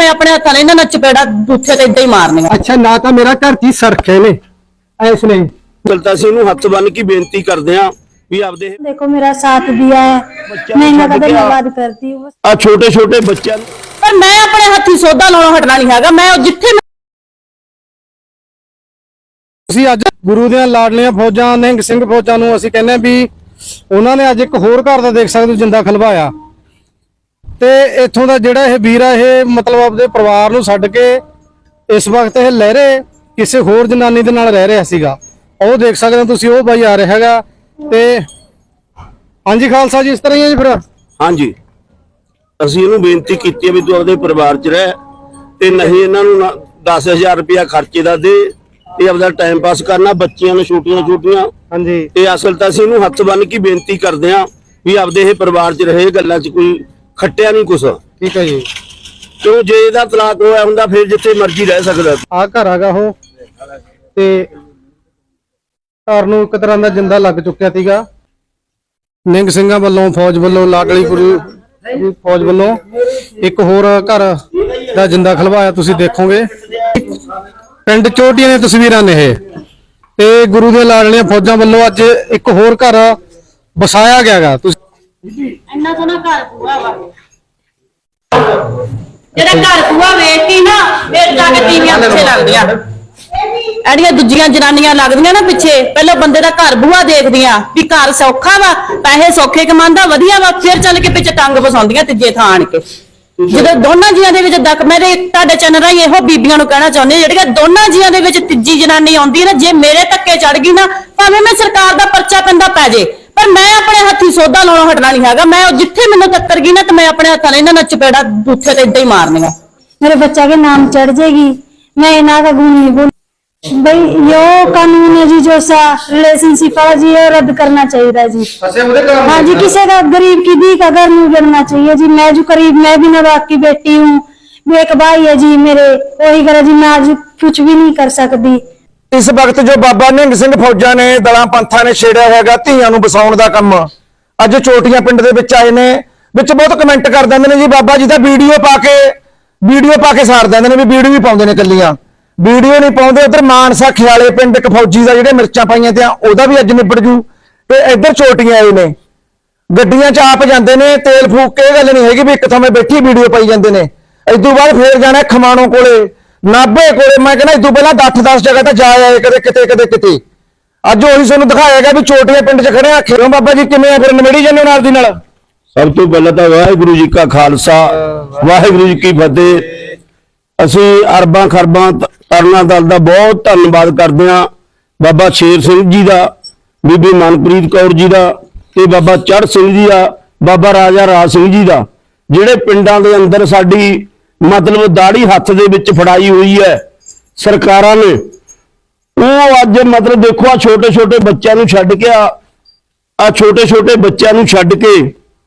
मैं अपने हत्थां नाल इन्हां नूं चपेड़ा बूथे ते इदां ही मारनियां। अच्छा ना तो मेरा घर ची सरखे ने इसने चलता सी इहनूं हत्थ बन के बेनती करदे हां भी आपदे देखो मेरा साथ दिया है, मैं इन्हां दा धन्यवाद करती हूं। आ छोटे छोटे बच्चों पर मैं अपने हत्थी सौदा लाउणों हटना नहीं हैगा। मैं जिथे ਅਸੀਂ ਅੱਜ ਗੁਰੂ ਦੀਆਂ ਲਾਡਲੀਆਂ ਫੌਜਾਂ ਨਿਹੰਗ ਸਿੰਘ ਫੌਜਾਂ ਨੂੰ ਅਸੀਂ ਕਹਿੰਦੇ ਵੀ ਉਹਨਾਂ ਨੇ ਅੱਜ ਇੱਕ ਹੋਰ ਘਰ ਦਾ ਦੇਖ ਸਕਦੇ ਹੋ ਜਿੰਦਾ ਖਲਵਾਇਆ ਤੇ ਇੱਥੋਂ ਦਾ ਜਿਹੜਾ ਇਹ ਵੀਰ ਆ ਇਹ ਮਤਲਬ ਆਪਦੇ ਪਰਿਵਾਰ ਨੂੰ ਛੱਡ ਕੇ ਇਸ ਵਕਤ ਇਹ ਲਹਿਰੇ ਕਿਸੇ ਹੋਰ ਜਨਾਨੀ ਦੇ ਨਾਲ ਰਹਿ ਰਿਹਾ ਸੀਗਾ। ਉਹ ਦੇਖ ਸਕਦੇ ਹੋ ਤੁਸੀਂ, ਉਹ ਬਾਈ ਆ ਰਿਹਾ ਹੈਗਾ ਤੇ ਹਾਂਜੀ ਖਾਲਸਾ ਜੀ ਇਸ ਤਰ੍ਹਾਂ ਹੀ ਹੈ ਜੀ ਫਿਰ। ਹਾਂਜੀ ਅਸੀਂ ਇਹਨੂੰ ਬੇਨਤੀ ਕੀਤੀ ਹੈ ਵੀ ਤੂੰ ਆਪਦੇ ਪਰਿਵਾਰ 'ਚ ਰਹਿ ਤੇ ਨਹੀਂ ਇਹਨਾਂ ਨੂੰ 10,000 ਰੁਪਇਆ ਖਰਚੇ ਦਾ ਦੇ ਇਹ ਆਪਦਾ ਟਾਈਮ ਪਾਸ ਕਰਨਾ ਬੱਚਿਆਂ ਨੂੰ ਛੋਟੀਆਂ ਹਾਂਜੀ ਤੇ ਅਸਲ ਤਾਂ ਅਸੀਂ ਇਹਨੂੰ ਹੱਥ ਬੰਨ ਕੇ ਬੇਨਤੀ ਕਰਦੇ ਹਾਂ ਵੀ ਆਪਦੇ ਇਹ ਪਰਿਵਾਰ 'ਚ ਰਹੇ ਗੱਲਾਂ 'ਚ ਕੋਈ ਖੱਟਿਆ ਨਹੀਂ ਕੁਛ। ਠੀਕ ਹੈ ਜੀ। ਕਿਉਂ ਜੇ ਇਹਦਾ ਤਲਾਕ ਹੋਇਆ ਹੁੰਦਾ ਫਿਰ ਜਿੱਥੇ ਮਰਜ਼ੀ ਰਹਿ ਸਕਦਾ। ਆ ਘਰ ਹੈਗਾ ਉਹ ਤੇ ਘਰ ਨੂੰ ਇੱਕ ਤਰ੍ਹਾਂ ਦਾ ਜਿੰਦਾ ਲੱਗ ਚੁੱਕਿਆ ਸੀਗਾ। ਨਿਹੰਗ ਸਿੰਘਾਂ ਵੱਲੋਂ ਫੌਜ ਵੱਲੋਂ ਲਾਡਲੀਪੁਰ ਫੌਜ ਵੱਲੋਂ ਇੱਕ ਹੋਰ ਘਰ ਦਾ ਜਿੰਦਾ ਖਲਵਾਇਆ ਤੁਸੀਂ ਦੇਖੋਗੇ। ਪਿੰਡ ਚੋਟੀਆਂ ਦੀਆਂ ਤਸਵੀਰਾਂ ਨੇ ਇਹ ਤੇ ਗੁਰੂ ਦੇ ਲਾਡਲੀਆਂ ਫੌਜਾਂ ਵੱਲੋਂ ਅੱਜ ਇੱਕ ਹੋਰ ਘਰ ਵਸਾਇਆ ਗਿਆਗਾ। ਤੁਸੀਂ ਇੰਨਾ ਸੋਹਣਾ ਘਰ ਪੂਆ ਵਾ ਜਿਹੜਾ ਘਰ ਪੂਆ ਵੇਖ ਕੇ ਨਾ ਫਿਰ ਜਾ ਕੇ ਤੀਵੀਆਂ ਪਿੱਛੇ ਲੱਗਦੀਆਂ। ਐਡੀਆਂ ਦੂਜੀਆਂ ਜਨਾਨੀਆਂ ਲੱਗਦੀਆਂ ਨਾ ਪਿੱਛੇ, ਪਹਿਲਾਂ ਬੰਦੇ ਦਾ ਘਰ ਬੂਆ ਦੇਖਦੀਆਂ ਵੀ ਘਰ ਸੌਖਾ ਵਾ, ਪੈਸੇ ਸੌਖੇ ਕਮਾਉਂਦਾ ਵਧੀਆ ਵਾ, ਫਿਰ ਚੱਲ ਕੇ ਪਿੱਛੇ ਟੰਗ ਫਸਾਉਂਦੀਆਂ ਤੀਜੇ ਥਾਂ ਆਣ ਕੇ। ਜਦੋਂ ਦੋਨਾਂ ਜੀਆਂ ਦੇ ਵਿੱਚ ਮੇਰੇ ਤੁਹਾਡੇ ਚੈਨਲ ਰਾਹੀਂ ਇਹੋ ਬੀਬੀਆਂ ਨੂੰ ਕਹਿਣਾ ਚਾਹੁੰਦੇ ਜਿਹੜੀਆਂ ਦੋਨਾਂ ਜੀਆਂ ਦੇ ਵਿੱਚ ਤੀਜੀ ਜਨਾਨੀ ਆਉਂਦੀ ਹੈ ਨਾ, ਜੇ ਮੇਰੇ ਧੱਕੇ ਚੜ ਗਈ ਨਾ ਭਾਵੇਂ ਮੈਂ ਸਰਕਾਰ ਦਾ ਪਰਚਾ ਪੈਂਦਾ ਪੈ ਜੇ ਪਰ ਮੈਂ ਆਪਣੇ ਹੱਥੀ ਸੌਦਾ ਲਾਉਣੋਂ ਹਟਣਾ ਨਹੀਂ ਹੈਗਾ। मैं जिथे मैनू टक्कर गई ना तो मैं अपने हत्थां नाल इन्हां नूं चपेड़ा बूथे ते इदां ही मारनियां। मेरे बच्चा के नाम चढ़ जाएगी, मैं इन्हां का गुण नहीं बोल भाई। यो कानून है जी जो सा रिलेशनशिप है जी, ये रद्द करना चाहिए जी। हाँ जी, किसी का गरीब की दी का घर नहीं गिरना चाहिए जी। मैं जो करीब मैं भी नवाब की बेटी हूँ, एक भाई है जी मेरे, वही करे जी मैं आज कुछ भी नहीं कर सकती। इस वक्त जो बाबा निहंग सिंह फौजा ने दलां पंथां ने छेड़िया होगा धीआं नूं बसाउण दा काम अज चोटियां पिंड दे विच आए ने। विच बहुत कमेंट कर दिंदे ने जी बाबा जी दा वीडियो पा के साड़ दिंदे ने भी वीडियो भी पाउंदे ने, कल्लियां वीडियो नहीं पाउंदे। उधर मानसा खियाले पिंड एक फौजी दा जिहड़े मिर्चां पाईयां ते ओहदा भी अज निबड़ जू ते इधर चोटियां आए ने गड्डियां च आप जांदे ने, तेल फूक के गल नहीं हैगी भी एक थां बैठी वीडियो पाई जांदे ने। इस तों बाद फिर जाना खमाणों कोले नाभे कोले, मैं कहना इस तों पहलां 8-10 जगह तो जा आए कदे किते अज उही तुहानूं दिखाएगा भी चोटियां पिंड च खड़े आखिर बाबा जी किवें फिर निमेड़ी जांदे नाल दी नाल। सब तो पहले तो वाहिगुरू जी का खालसा वाहिगुरू जी की फतेह। असीं अरबां खरबां तरना दल का बहुत धन्नवाद करते हैं बाबा शेर सिंह जी का, बीबी मनप्रीत कौर जी का ते बाबा चढ़ सिंह जी का, बाबा राजा राज सिंह जी का, जिहड़े पिंडां दे अंदर साडी मतलब दाड़ी हत्थ दे विच फड़ाई हुई है सरकारां ने। वो अज मतलब देखो आ छोटे छोटे बच्चों नूं छड्ड के आ छोटे छोटे बच्चों नूं छड्ड के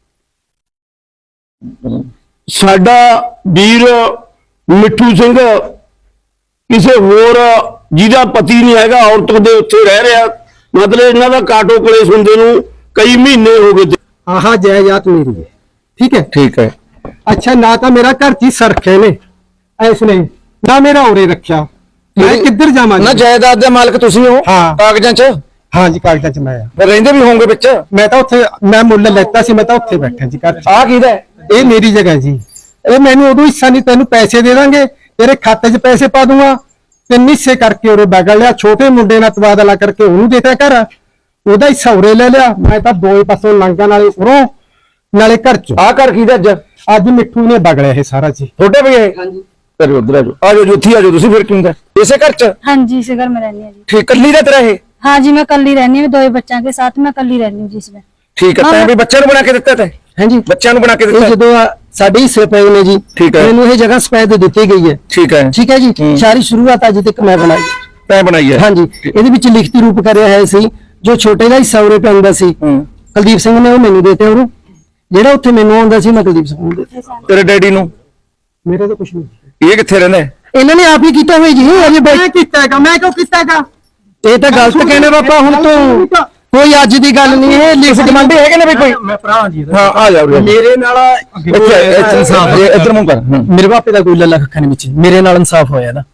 साडा वीर मिठू सिंह किसी होर जिहदा पति नहीं हैगा औरत दे उत्थे रह रहा, मतलब इन्हां दा काटो कलेश हुंदे नूं कई महीने हो गए। आहा जायदाद मेरी है, ठीक है। अच्छा ना तो मेरा घर ची सरखे ने इसने ना मेरा उरे रखा, मैं किधर जावां ना जायदाद दे मालक तुसीं हो। हाँ कागजां च हाँ जी कागजां च मैं रहिंदे भी होंगे विच। मैं तो उत्थे मैं मुੱਲ लेता सी, मैं तो उत्थे बैठा जी घर। आ कीदा ये मेरी जगह जी, ये मैनू उदों हिस्सा नहीं, तेनू पैसे दे देंगे, तेरे खाते च पैसे पा दूंगा, तीन हिस्से करके उरे बगल लिया, छोटे मुंडे नाल तबादला करके उन्होंने देता घर, ओदा हिस्सा उरे ले लिया। मैं तो दो ही पासों लंघा नाले उरों नाले घर च। आ कर कीदा अज मिठू ने बगड़िया है सारा जी। छोटे भी है उधर आ जाओ जुत्थी आ जाओ तुसीं फिर क्यों इसे घर च। हाँ जी इसे घर में रहनी है जी। ठीक कल्ली दा तेरा है। हाँ जी मैं कल ही रहनी हूँ, 2 बच्चों के साथ मैं कल ही रहनी हूँ जिसमें। ठीक है, तैं भी बच्चों नूं बना के दित्ता तैं। हाँ जी बच्चों नूं बना के दित्ता जो साडे हिस्से पे ने जी। ठीक है, मैनू ये जगह सफेद दी गई है। ठीक है जी, सारी शुरुआत अज तक मैं बनाई, तैं बनाई है। हाँ जी इहदे विच लिखती रूप करिया है सी, जो छोटे दा हिस्सा उरे पैंदा सी कुलदीप सिंह ने वो मैनू देते, और जेड़ा उत्थे मैनू आउंदा सी मैं कुलदीप सिंह नूं देते। तेरे डैडी नूं मेरे तो कुछ नहीं, ये कित्थे रहिंदा है? इन्हां ने आप ही कीता होया जी। अजे मैं कीता हैगा, मैं क्यों कीता हैगा? ये तो गलत कहने बापा, हुण तो ਕੋਈ ਅੱਜ ਦੀ ਗੱਲ ਨਹੀਂ ਇਹ ਤੁਸੀਂ ਕਮਾਂਡੇ ਹੈਗੇ ਨੇ ਵੀ ਕੋਈ? ਮੈਂ ਭਰਾ ਜੀ ਹਾਂ ਆ ਜਾਓ ਮੇਰੇ ਨਾਲ ਇੱਧਰ ਮੂੰਹ ਕਰ ਮੇਰੇ ਬਾਪੇ ਦਾ ਕੋਈ ਲੱਲਾ ਕੱਖਾ ਨਹੀਂ ਵਿੱਚ ਮੇਰੇ ਨਾਲ ਇਨਸਾਫ ਹੋਇਆ ਨਾ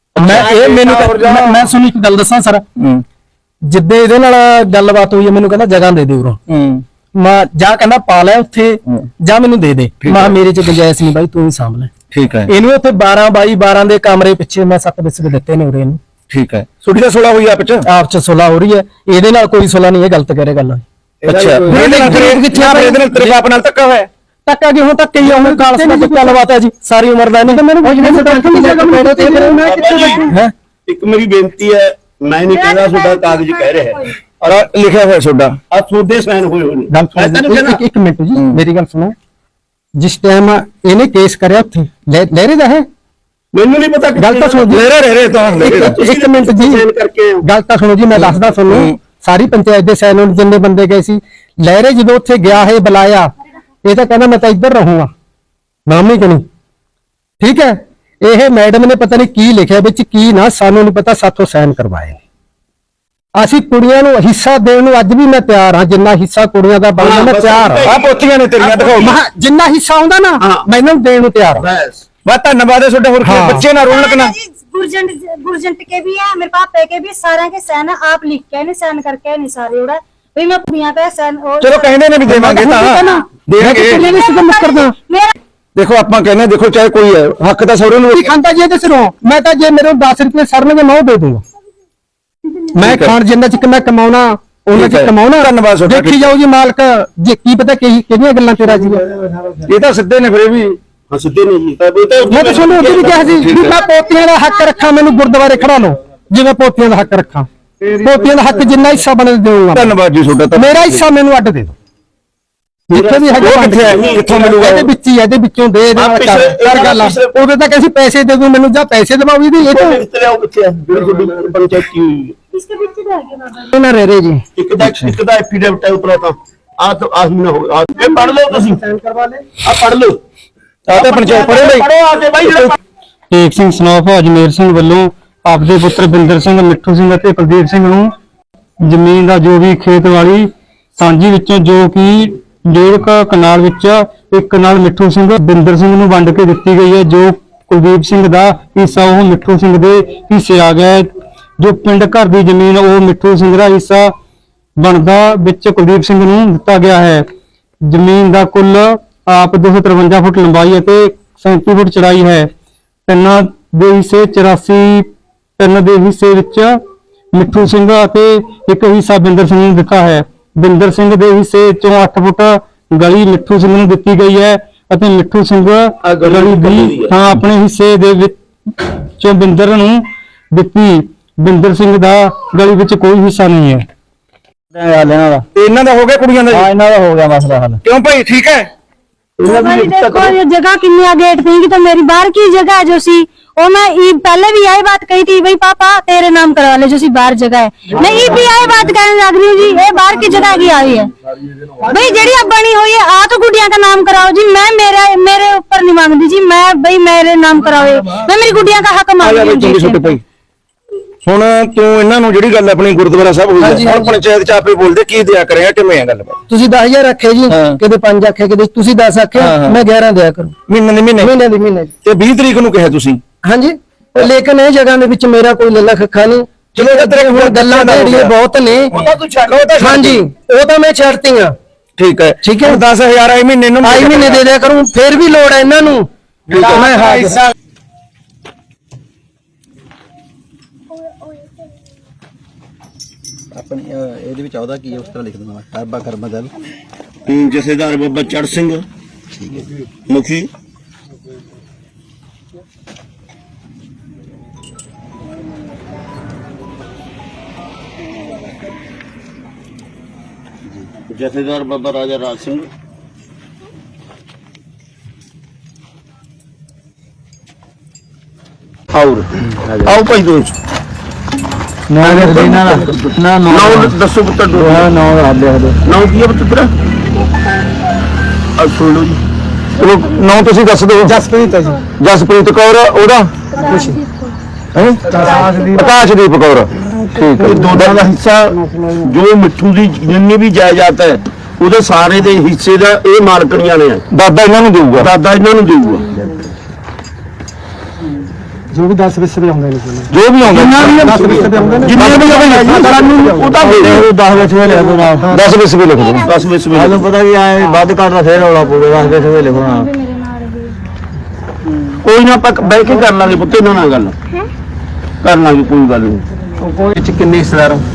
ਮੈਂ ਸੁਣੀ ਇੱਕ ਗੱਲ ਦੱਸਾਂ ਸਰ ਜਿੱਦੇ ਇਹਦੇ ਨਾਲ ਗੱਲਬਾਤ ਹੋਈ ਹੈ ਮੈਨੂੰ ਕਹਿੰਦਾ ਜਗ੍ਹਾ ਦੇ ਦੇ ਉਰੋਂ ਮੈਂ ਜਾ ਕਹਿੰਦਾ ਪਾ ਲੈ ਉੱਥੇ ਜਾਂ ਮੈਨੂੰ ਦੇ ਦੇ ਮੈਂ ਮੇਰੇ ਚ ਗੁੰਜਾਇਸ਼ ਨਹੀਂ ਬਾਈ ਤੂੰ ਹੀ ਸਾਂਭ ਲੈ ਠੀਕ ਹੈ ਇਹਨੂੰ ਉੱਥੇ 12 ਬਾਈ 12 ਦੇ ਕਮਰੇ ਪਿੱਛੇ ਮੈਂ 7 ਬਿਸਕ ਦਿੱਤੇ ਨੇ ਉਰੇ ਇਹਨੂੰ ਠੀਕ ਹੈ ਛੋਟੀ ਦਾ 16 ਹੋਈ ਆਪ ਚ ਸੁਲਾ ਹੋ ਰਹੀ ਹੈ ਇਹਦੇ ਨਾਲ ਕੋਈ ਸੁਲਾ ਨਹੀਂ ਇਹ ਗਲਤ ਕਰੇ ਗੱਲ ਅੱਛਾ ਇਹਦੇ ਨਾਲ ਤੇਰੇ ਬਾਪ ਨਾਲ ਧੱਕਾ ਹੋਇਆ ਟੱਕਾ ਜੀ ਹੁਣ ਤੱਕ ਹੀ ਆਉਂ ਕਾਲਸ ਦਾ ਕੋਈ ਗੱਲਬਾਤ ਹੈ ਜੀ ਸਾਰੀ ਉਮਰ ਦਾ ਨਹੀਂ ਮੈਨੂੰ ਇੱਕ ਮੇਰੀ ਬੇਨਤੀ ਹੈ ਮੈਂ ਨਹੀਂ ਕਹਿੰਦਾ ਤੁਹਾਡਾ ਕਾਗਜ਼ ਕਹਿ ਰਿਹਾ ਹੈ ਔਰ ਲਿਖਿਆ ਹੋਇਆ ਤੁਹਾਡਾ ਆ ਤੁਹਾਡੇ ਸਾਈਨ ਹੋਏ ਹੋਏ ਨੇ ਇੱਕ ਮਿੰਟ ਜੀ ਮੇਰੀ ਗੱਲ ਸੁਣੋ ਜਿਸ ਟਾਈਮ ਇਹਨੇ ਕੇਸ ਕਰਿਆ ਉੱਥੇ ਲਹਿਰੇ ਦਾ ਹੈ ਮੈਨੂੰ ਨਹੀਂ ਪਤਾ ਗੱਲ ਤਾਂ ਸੁਣੋ ਜੀ ਰਹੇ ਤਾਂ ਇੱਕ ਮਿੰਟ ਜੀ ਗੱਲ ਤਾਂ ਸੁਣੋ ਜੀ ਮੈਂ ਦੱਸਦਾ ਤੁਹਾਨੂੰ ਸਾਰੀ ਪੰਚਾਇਤ ਦੇ ਸਾਈਨ ਜਿੰਨੇ ਬੰਦੇ ਗਏ ਸੀ ਲਹਿਰੇ ਜਦੋਂ ਉੱਥੇ ਗਿਆ ਹੈ ਬੁਲਾਇਆ ਇਹ ਤਾਂ ਕਹਿੰਦਾ ਮੈਂ ਤਾਂ ਇੱਧਰ ਰਹੂੰਗਾ ਨਾਮ ਨਹੀਂ ਕਣੀ ਠੀਕ ਹੈ ਇਹ ਮੈਡਮ ਨੇ ਪਤਾ ਨਹੀਂ ਕੀ ਲਿਖਿਆ ਵਿੱਚ ਕੀ ਨਾ ਸਾਨੂੰ ਨਹੀਂ ਪਤਾ ਸਾਥੋਂ ਸਾਈਨ ਕਰਵਾਏ ਨੇ ਅਸੀਂ ਕੁੜੀਆਂ ਨੂੰ ਹਿੱਸਾ ਦੇਣ ਨੂੰ ਅੱਜ ਵੀ ਮੈਂ ਤਿਆਰ ਹਾਂ ਜਿੰਨਾ ਹਿੱਸਾ ਕੁੜੀਆਂ ਦਾ ਬਣਦਾ ਮੈਂ ਤਿਆਰ ਹਾਂ ਆ ਪੋਥੀਆਂ ਨੇ ਤੇਰੀਆਂ ਦਿਖਾਓ ਜਿੰਨਾ ਹਿੱਸਾ ਆਉਂਦਾ ਨਾ ਮੈਨੂੰ ਦੇਣ ਨੂੰ ਤਿਆਰ ਹਾਂ ਬਸ ਧੰਨਵਾਦ ਹੈ ਤੁਹਾਡਾ ਹੋਰ ਕੀ ਬੱਚੇ ਨਾ ਰੋਣ ਲੱਗਣਾ गुरजंट के भी है मेरे पापा के भी सारे के साइन आप लिख के नहीं साइन करके नहीं सारे उड़ा भाई मैं कुड़ियां का साइन ਚਲੋ ਕਹਿੰਦੇ ਨੇ ਵੀ ਦੇਵਾਂਗੇ ਤਾਂ ਦੇਣਗੇ ਦੇਖੋ ਆਪਾਂ ਕਹਿੰਦੇ ਦੇਖੋ ਚਾਹੇ ਕੋਈ ਹੈ ਹੱਕ ਤਾਂ ਸਹੁਰੇ ਨੂੰ ਖਾਂਦਾ ਜੇ ਤੇ ਸਿਰੋਂ ਮੈਂ ਤਾਂ ਜੇ ਮੇਰੇ 10 ਰੁਪਏ ਸਰਨਗੇ ਮੈਂ ਉਹ ਦੇ ਦੂੰਗਾ ਮੈਂ ਖਾਣ ਜਿੰਨਾ ਚ ਮੈਂ ਕਮਾਉਣਾ ਉਹਨਾਂ ਚ ਕਮਾਉਣਾ ਧੰਨਵਾਦ ਤੁਹਾਡਾ ਦੇਖੀ ਜਾਓ ਜੀ ਮਾਲਕ ਜੇ ਕੀ ਪਤਾ ਕਿਹੜੀਆਂ ਗੱਲਾਂ ਤੇ ਰਾਜੀ ਇਹ ਤਾਂ ਸਿੱਧੇ ਨੇ ਫਿਰ ਵੀ ਹਾਂ ਸਿੱਧੇ ਨਹੀਂ ਜੀ ਮੈਂ ਤਾਂ ਤੁਹਾਨੂੰ ਉਹਦੀ ਵੀ ਕਿਹਾ ਸੀ ਵੀ ਮੈਂ ਪੋਤੀਆਂ ਦਾ ਹੱਕ ਰੱਖਾਂ ਮੈਨੂੰ ਗੁਰਦੁਆਰੇ ਖੜਾ ਲਓ ਜਿਵੇਂ ਪੋਤੀਆਂ ਦਾ ਹੱਕ ਰੱਖਾਂ ਪੋਤੀਆਂ ਦਾ ਹੱਕ ਜਿੰਨਾ ਹਿੱਸਾ ਬਣ ਦੇਵਾਂਗਾ ਧੰਨਵਾਦ ਜੀ ਤੁਹਾਡਾ ਮੇਰਾ ਹਿੱਸਾ ਮੈਨੂੰ ਅੱਡ ਦੇ ਦਿਓ ਜਿੱਥੇ ਵੀ ਹੈਗਾ ਕਿੱਥੇ ਹੈ ਕਿੱਥੋਂ ਮਿਲੂਗਾ ਇਹਦੇ ਵਿੱਚ ਹੀ ਇਹਦੇ ਵਿੱਚੋਂ ਦੇ ਇਹਦੇ ਨਾਲ ਕਰ ਗੱਲ ਉਹਦੇ ਤੱਕ ਅਸੀਂ ਪੈਸੇ ਦੇ ਦੂੰ ਮੈਨੂੰ ਜਾਂ ਪੈਸੇ ਦਵਾਉਗੀ ਦੀ ਇਹ ਤੋਂ ਕਿੱਥੇ ਆਉ ਕਿੱਥੇ ਹੈ ਜਿਹੜੀ ਤੁਹਾਡੀ ਪੰਚਾਇਤ ਕੀ ਹੋਈ इसके पीछे रह गया बाबा ਇਹਨਾਂ ਰਹਿ ਰਹੇ ਜੀ ਇੱਕ ਦਾ ਐਫੀਡੇਵਿਟ ਹੈ ਉਤਰਾ ਤਾਂ ਆਹ ਮਹੀਨਾ ਹੋ ਗਿਆ ਇਹ ਪੜ ਲਓ ਤੁਸੀਂ ਸਾਈਨ ਕਰਵਾ ਲੈ ਆ ਪੜ ਲਓ ਆ ਤਾਂ ਪੰਚਾਇਤ ਪੜ੍ਹੇ ਬਈ ਪੜੋ ਆ ਕੇ ਬਾਈ ਜਿਹੜਾ ਏਕ ਸਿੰਘ ਸਨੋਫ ਅਜਮੇਰ ਸਿੰਘ ਵੱਲੋਂ ਆਪਦੇ ਪੁੱਤਰ ਬਿੰਦਰ ਸਿੰਘ ਮਿੱਠੂ ਸਿੰਘ ਅਤੇ ਕੁਲਦੀਪ ਸਿੰਘ ਨੂੰ ਜ਼ਮੀਨ ਦਾ ਜੋ ਵੀ ਖੇਤ ਵਾਲੀ ਸਾਂਝੀ ਵਿੱਚੋਂ ਜੋ ਕਿ 1.5 ਕਨਾਲ ਵਿੱਚ ਇੱਕ ਕਨਾਲ ਮਿੱਠੂ ਸਿੰਘ ਬਿੰਦਰ ਸਿੰਘ ਨੂੰ ਵੰਡ ਕੇ ਦਿੱਤੀ ਗਈ ਹੈ ਜੋ ਕੁਲਦੀਪ ਸਿੰਘ ਦਾ ਹਿੱਸਾ ਉਹ ਮਿੱਠੂ ਸਿੰਘ ਦੇ ਹਿੱਸੇ ਆ ਗਿਆ ਜੋ ਪਿੰਡ ਘਰ ਦੀ ਜ਼ਮੀਨ ਉਹ ਮਿੱਠੂ ਸਿੰਘ ਦਾ ਹਿੱਸਾ ਬਣਦਾ ਵਿੱਚ ਕੁਲਦੀਪ ਸਿੰਘ ਨੂੰ ਦਿੱਤਾ ਗਿਆ ਹੈ ਜ਼ਮੀਨ ਦਾ ਕੁੱਲ ਆਪ 253 ਫੁੱਟ ਲੰਬਾਈ ਅਤੇ 37 ਫੁੱਟ ਚੌੜਾਈ ਹੈ ਤਿੰਨਾਂ ਦੇ ਹਿੱਸੇ 84 ਤਿੰਨ ਦੇ ਹਿੱਸੇ ਵਿੱਚ ਮਿੱਠੂ ਸਿੰਘ ਅਤੇ ਇੱਕ ਹਿੱਸਾ ਬਿੰਦਰ ਸਿੰਘ ਨੂੰ ਦਿੱਤਾ ਹੈ ਬਿੰਦਰ ਸਿੰਘ ਦੇ ਹਿੱਸੇ ਚੋਂ 8 ਫੁੱਟ ਗਲੀ ਮਿੱਠੂ ਸਿੰਘ ਨੂੰ ਦਿੱਤੀ ਗਈ ਹੈ ਅਤੇ ਮਿੱਠੂ ਸਿੰਘ ਗਲੀ ਦੀ ਥਾਂ ਆਪਣੇ ਹਿੱਸੇ ਦੇ ਵਿੱਚ ਚੋਂ ਬਿੰਦਰ ਨੂੰ ਦਿੱਤੀ ਬਿੰਦਰ ਸਿੰਘ ਦਾ ਗਲੀ ਵਿੱਚ ਕੋਈ ਹਿੱਸਾ ਨਹੀਂ ਹੈ ਇਹਨਾਂ ਦਾ ਹੋ ਗਿਆ ਕੁੜੀਆਂ ਦਾ ਜੀ ਇਹਨਾਂ ਦਾ ਹੋ ਗਿਆ ਮਸਲਾ ਹੱਲ ਕਿਉਂ ਭਾਈ ਠੀਕ ਹੈ देखो ये जगह कितनी गेट थी कि तो मेरी बाहर की जगह है जो सी और मैं पहले भी यही बात कही थी भाई पापा तेरे नाम करवा ले जो सी बाहर जगह है मैं भी यही बात कहने लग रही हूँ जी ये बाहर की जगह की आई है भाई जेड़ी अब बनी हुई है आ तो गुड़िया का नाम कराओ जी मैं मेरे ऊपर नहीं मांगती जी मैं भाई मेरे नाम कराओ मैं मेरी गुड़िया का हक मांग रही हूँ ਹੁਣ ਤੂੰ ਇਹਨਾਂ ਨੂੰ ਜਿਹੜੀ ਗੱਲ ਆਪਣੀ ਗੁਰਦੁਆਰਾ ਸਾਹਿਬ ਹੋਈ ਹੈ ਹੁਣ ਪੰਚਾਇਤ ਚ ਆਪੇ ਬੋਲਦੇ ਕੀ ਦਿਆ ਕਰਿਆ ਕਿਵੇਂ ਆ ਗੱਲ ਤੁਸੀਂ 10000 ਰੱਖੇ ਜੀ ਕਿਤੇ 5 ਆਖੇ ਕਿਤੇ ਤੁਸੀਂ 10 ਆਖੇ ਮੈਂ 11 ਦਿਆ ਕਰੂੰ ਮਹੀਨੇ ਦੀ ਤੇ 20 ਤਰੀਕ ਨੂੰ ਕਿਹਾ ਤੁਸੀਂ ਹਾਂਜੀ ਲੇਕਿਨ ਇਹ ਜਗ੍ਹਾ ਦੇ ਵਿੱਚ ਮੇਰਾ ਕੋਈ ਲੱਲਾ ਖੱਖਾ ਨਹੀਂ ਚਲੋ ਤੇਰੇ ਹੁਣ ਗੱਲਾਂ ਢੇੜੀਆਂ ਬਹੁਤ ਨੇ ਹਾਂਜੀ ਉਹ ਤਾਂ ਮੈਂ ਛੱਡਤੀਆਂ ਠੀਕ ਹੈ ਠੀਕ ਹੈ 10000 ਆਈ ਮਹੀਨੇ ਨੂੰ ਆਈ ਮਹੀਨੇ ਦੇ ਦਿਆ ਕਰੂੰ ਫਿਰ ਵੀ ਲੋੜ ਹੈ ਇਹਨਾਂ ਨੂੰ ਮੈਂ ਹਾਜ਼ਰ ਆਪਣੀ ਇਹਦੇ ਵਿੱਚ ਆਉਦਾ ਕੀ ਹੈ ਉਸ ਤਰ੍ਹਾਂ ਲਿਖ ਦਿੰਦਾ ਮੈਂ ਕਰਬਾ ਦਲ ਜਥੇਦਾਰ ਬਾਬਾ ਚੜ ਸਿੰਘ ਮੁਖੀ ਜਥੇਦਾਰ ਬਾਬਾ ਰਾਜਾ ਰਾਜ ਸਿੰਘ ਆਓ ਭਾਈ ਦੋਸਤ ਨਾ ਦੱਸੋ ਪੁੱਤਰ ਨਾ ਨਾਮ ਕੀ ਹੈ ਪੁੱਤਰ ਤੇਰਾ ਸੁਣ ਲਓ ਜੀ ਚਲੋ ਨਾਂ ਤੁਸੀਂ ਦੱਸ ਦਿਓ ਜਸਪ੍ਰੀਤ ਹੈ ਜੀ ਜਸਪ੍ਰੀਤ ਕੌਰ ਉਹਦਾ ਖੁਸ਼ੀ ਹੈ ਆਕਾਸ਼ਦੀਪ ਕੌਰ ਇਹ ਦੋਨਾਂ ਦਾ ਹਿੱਸਾ ਜੋ ਮਿੱਠੂ ਦੀ ਜਿੰਨੀ ਵੀ ਜਾਇਦਾਦ ਹੈ ਉਹਦੇ ਸਾਰੇ ਦੇ ਹਿੱਸੇ ਦਾ ਇਹ ਮਾਲਕਣੀਆਂ ਨੇ। ਦਾਦਾ ਇਹਨਾਂ ਨੂੰ ਦੇਊਗਾ। ਦਾਦਾ ਇਹਨਾਂ ਨੂੰ ਦੇਊਗਾ। ਜੋ ਵੀ 10 ਵਿਸਵੇ ਆਉਂਦੇ ਨੇ ਜੋ ਵੀ ਆਉਂਦਾ ਜਿੰਨੇ ਵੀ ਸਾਨੂੰ ਉਹ ਤਾਂ ਦੇ ਦਿਓ। 10 ਵਿਸਵੇ ਲਿਖ ਦੋ ਨਾਲ 10 ਵਿਸਵੇ ਲਿਖ ਦੋ। 10 ਵਿਸਵੇ ਤੁਹਾਨੂੰ ਪਤਾ ਕੀ ਐ ਵੱਧ ਘੱਟ ਦਾ ਫੇਰ ਰੌਲਾ ਪਊਗਾ 10 ਵਿਸਵੇ ਲਿਖੋ ਨਾਲ। ਕੋਈ ਨਾ ਆਪਾਂ ਬਹਿ ਕੇ ਕਰ ਲਾਂਗੇ ਪੁੱਤ ਇਹਨਾਂ ਨਾਲ ਗੱਲ ਕਰ ਲਾਂਗੇ ਕੋਈ ਗੱਲ ਨਹੀਂ। ਕੋਈ ਚ ਕਿੰਨੇ ਹਿੱਸੇਦਾਰ ਹੋ?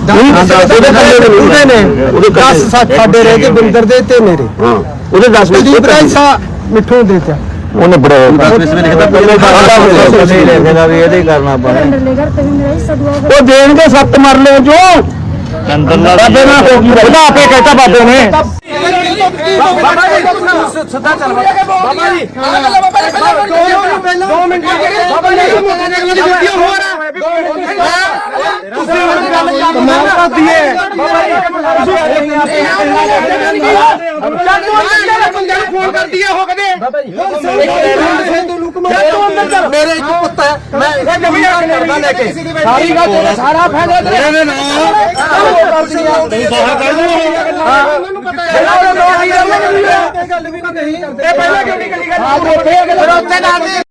ਉਹਦੇ ਨੇ ਉਹਦੇ 10 ਸਾਡੇ ਰਹਿ ਗਏ ਬਿੰਦਰ ਦੇ ਤੇ ਮੇਰੇ। ਹਾਂ ਉਹਦੇ 10 ਕੁਲਦੀਪ ਦਾ ਹਿੱਸਾ ਮਿੱਠੂ ਨੂੰ ਦੇ ਦਿੱਤਾ। ਉਹਨੇ ਬੜਾ 10 ਵਿਸਵੇ ਲਿਖਦਾ ਪਹਿਲੇ ਲਿਖਦਾ ਵੀ ਇਹਦੇ ਹੀ ਕਰਨਾ ਪੈਣਾ। ਉਹ ਦੇਣਗੇ 7 ਮਰਲੇ ਜੋ ਬਾਬੇ ਨਾਲ ਹੋ ਗਈ ਉਹਦਾ ਆਪੇ ਕਹਿਤਾ ਬਾਬੇ ਨੇ। ਬਾਬਾ ਜੀ ਸਿੱਧਾ ਚੱਲ ਬਾਬਾ ਜੀ 2 ਮਿੰਟ ਬਾਬਾ ਜੀ ਹੋ ਰਹਾ ਤੁਸੀਂ ਕਮਾਲ ਕਰਦੀ ਹੈ ਬਾਬਾ ਜੀ ਫੋਨ ਕਰਦੀ ਹੈ ਹੋ ਕਦੇ ਬਾਬਾ ਜੀ ਮੇਰੇ ਇੱਕ ਪੁੱਤ ਹੈ ਮੈਂ ਇਹ ਜ਼ਮੀਨ ਕਰਦਾ ਲੈ ਕੇ ਸਾਰੀ ਗੱਲ ਤੇਰਾ ਸਾਰਾ ਫਾਇਦਾ ਤੇਰੇ ਨਾਲ ਬਾਹਰ ਕਰ ਮੈਨੂੰ ਪਤਾ ਹੈ ਗੱਲ ਵੀ ਨਹੀਂ ਇਹ ਪਹਿਲਾਂ ਕਿਉਂ ਨਹੀਂ ਕਰੀ ਗੱਲ ਉੱਥੇ ਨਾਲ